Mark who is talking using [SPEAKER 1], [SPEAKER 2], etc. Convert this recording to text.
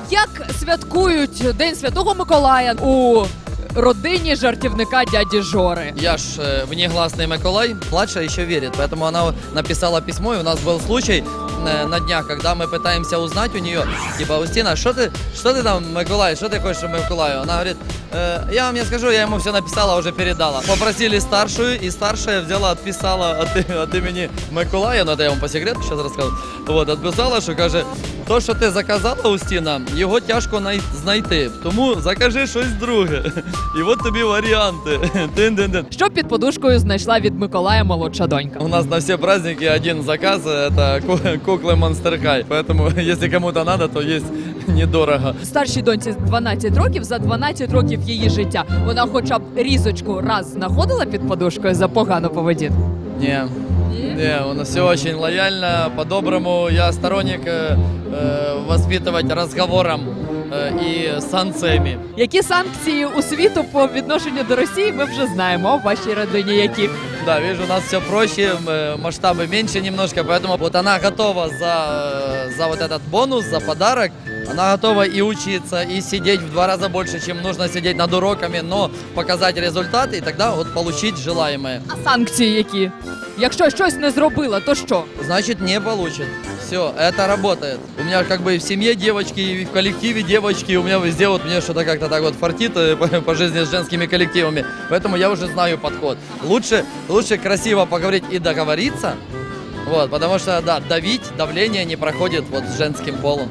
[SPEAKER 1] Як святкують День Святого Миколая у родині жартівника дяді Жори?
[SPEAKER 2] Я ж внегласный Миколай, младшая еще верит, поэтому она написала письмо, и у нас был случай на днях, когда мы пытаемся узнать у нее, типа, Устина, что ты там, Миколай, что ты хочешь Миколаю? Она говорит, я вам не скажу, я ему все написала, уже передала. Попросили старшую, и старшая взяла, отписала от имени Миколая, ну это я вам по секрету сейчас расскажу, вот, отписала, що каже, то, що ти заказала, Устіна, його тяжко знайти, тому закажи щось друге. І от тобі варіанти.
[SPEAKER 1] Що під подушкою знайшла від Миколая молодша донька?
[SPEAKER 2] У нас на все праздники один заказ, это куклы Monster High. Поэтому, если кому-то надо, то есть недорого.
[SPEAKER 1] Старшій доньці 12 років, за 12 років її життя вона хоча б різочку раз знаходила під подушкою за погану поведінку?
[SPEAKER 2] Не, у нас все очень лояльно, по-доброму. Я сторонник воспитывать разговором и санкциями.
[SPEAKER 1] Які санкції у світу по відношенню до Росії, ми вже знаємо. А в вашій родині які?
[SPEAKER 2] Да, вижу, у нас все проще, масштабы меньше немножко, поэтому вот она готова за вот этот бонус, за подарок. Она готова и учиться, и сидеть в 2 раза больше, чем нужно сидеть над уроками, но показать результаты и тогда вот получить желаемое.
[SPEAKER 1] А санкції які? Якщо щось не зробила, то що?
[SPEAKER 2] Значит, не получит. Все, это работает. У меня как бы и в семье девочки, и в коллективе девочки, у меня везде вот мне что-то как-то так вот фартит по жизни с женскими коллективами. Поэтому я уже знаю подход. Лучше красиво поговорить и договориться, вот, потому что, да, давление не проходит вот с женским полом.